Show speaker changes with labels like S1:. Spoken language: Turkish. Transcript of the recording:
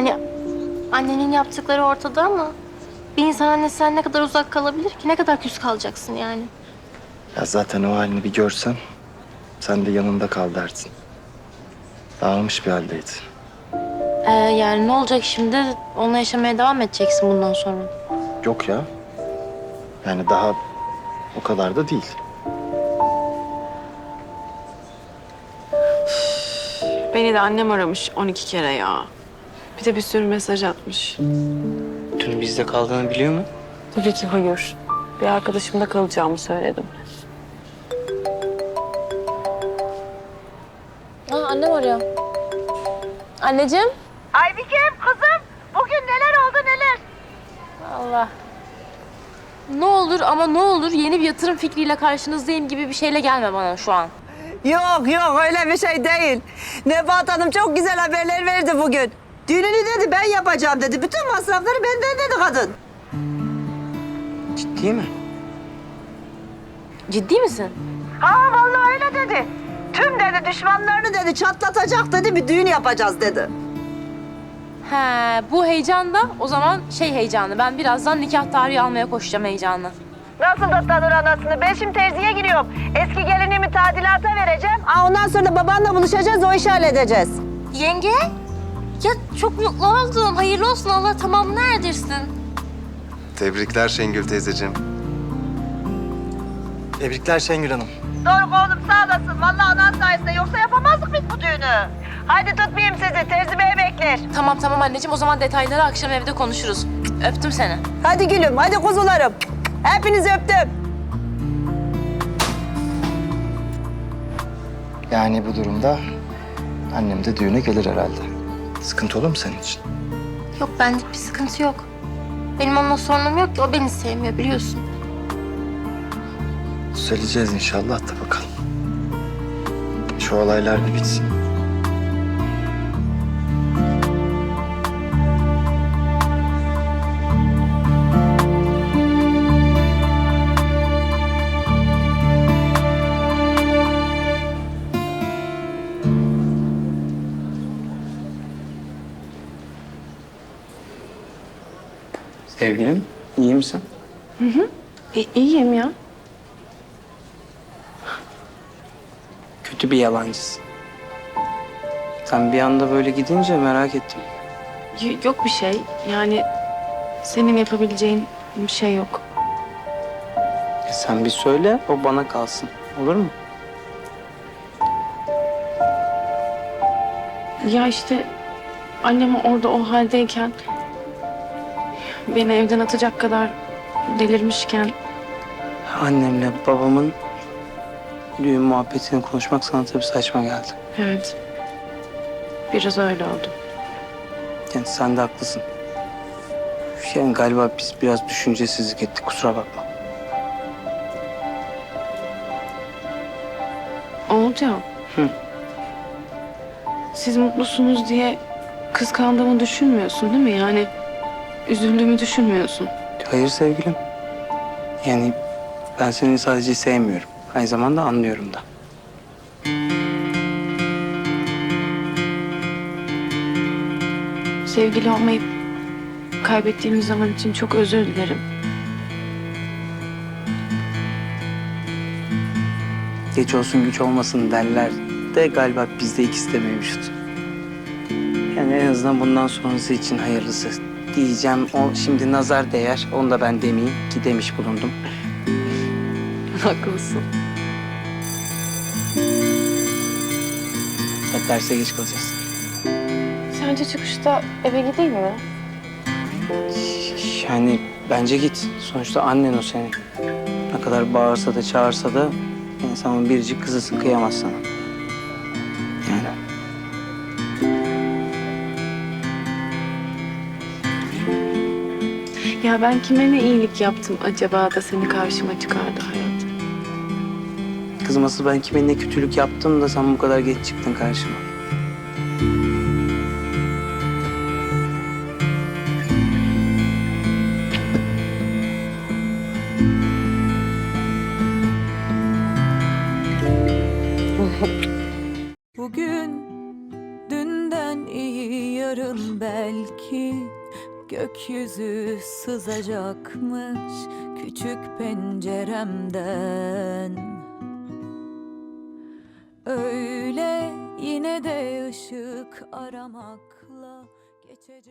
S1: Yani annenin yaptıkları ortada ama bir insan annesinden ne kadar uzak kalabilir ki? Ne kadar küs kalacaksın yani?
S2: Ya zaten o halini bir görsen sen de yanında kal dersin. Dağılmış bir haldeydi.
S1: Yani ne olacak şimdi? Onunla yaşamaya devam edeceksin bundan sonra.
S2: Yok ya. Yani daha o kadar da değil.
S3: Beni de annem aramış 12 kere ya. Bir de bir sürü mesaj atmış.
S4: Dün bizde kaldığını biliyor mu?
S3: Tabii ki hayır. Bir arkadaşımda kalacağımı söyledim.
S1: Annem arıyor. Anneciğim.
S5: Aybik'im kızım bugün neler oldu neler?
S1: Allah. Ne olur ama ne olur yeni bir yatırım fikriyle karşınızdayım gibi bir şeyle gelme bana şu an.
S5: Yok yok öyle bir şey değil. Nebahat Hanım çok güzel haberler verdi bugün. Düğününü dedi ben yapacağım dedi. Bütün masrafları benden dedi kadın.
S4: Ciddi mi?
S1: Ciddi misin?
S5: Ha vallahi öyle dedi. Tüm dedi düşmanlarını dedi çatlatacak dedi bir düğün yapacağız dedi.
S1: He, bu heyecan da o zaman şey heyecanı. Ben birazdan nikah tarihi almaya koşacağım heyecanı.
S5: Nasıl da tanır anasını? Ben şimdi terziye giriyorum. Eski gelinimi tadilata vereceğim. Ondan sonra da babanla buluşacağız o işi halledeceğiz.
S1: Yenge, ya çok mutlu oldum. Hayırlı olsun, Allah tamamını erdirsin.
S6: Tebrikler Şengül teyzeciğim.
S2: Tebrikler Şengül Hanım.
S5: Doğru oğlum sağ olasın. Vallahi anan sayesinde yoksa yapamazdık biz bu düğünü. Haydi tutmayayım sizi. Terzi bey bekler.
S1: Tamam anneciğim, o zaman detayları akşam evde konuşuruz. Öptüm seni.
S5: Hadi gülüm, hadi kuzularım. Hepinizi öptüm.
S2: Yani bu durumda annem de düğüne gelir herhalde. Sıkıntı olur mu senin için?
S1: Yok, benlik bir sıkıntı yok. Benim onunla sorunum yok ki, o beni sevmiyor biliyorsun.
S2: Söyleyeceğiz inşallah da bakalım. Şu olaylar bir bitsin.
S4: Sevgilim, iyi misin?
S3: İyiyim ya.
S4: Kötü bir yalancısın. Sen bir anda böyle gidince merak ettim.
S3: Yok bir şey. Yani senin yapabileceğin bir şey yok.
S4: Sen bir söyle, o bana kalsın. Olur mu?
S3: Ya işte annem orada o haldeyken beni evden atacak kadar delirmişken
S4: Annemle babamın düğün muhabbetini konuşmak sana tabii saçma geldi.
S3: evet biraz öyle oldu.
S4: Yani sen de haklısın. Yani galiba biz biraz düşüncesizlik ettik, kusura bakma.
S3: Olacak.
S4: Hı.
S3: Siz mutlusunuz diye kıskandığımı düşünmüyorsun değil mi? Yani üzüldüğümü düşünmüyorsun.
S4: Hayır sevgilim. Yani ben seni sadece sevmiyorum. Aynı zamanda anlıyorum da.
S3: Sevgili olmayıp kaybettiğimiz zaman için çok özür dilerim.
S4: Geç olsun güç olmasın derler de galiba bizde ikisi de mevcut. Yani en azından bundan sonrası için hayırlısı diyeceğim. O şimdi nazar değer. Onu da ben demeyeyim ki demiş bulundum.
S3: Haklısın.
S4: Hep derse geç kalacağız.
S3: Sence çıkışta eve gideyim mi?
S4: Yani bence git. Sonuçta annen o senin. Ne kadar bağırsa da çağırsa da insanın biricik kızısın, kıyamaz sana. Yani.
S3: Ya ben kime ne iyilik yaptım acaba da seni karşıma çıkardı hayat?
S4: Kızım asıl ben kime ne kötülük yaptım da sen bu kadar geç çıktın karşıma.
S7: Bugün dünden iyi yarın belki Belki gökyüzü sızacakmış küçük penceremden. Öyle yine de ışık aramakla geçecek.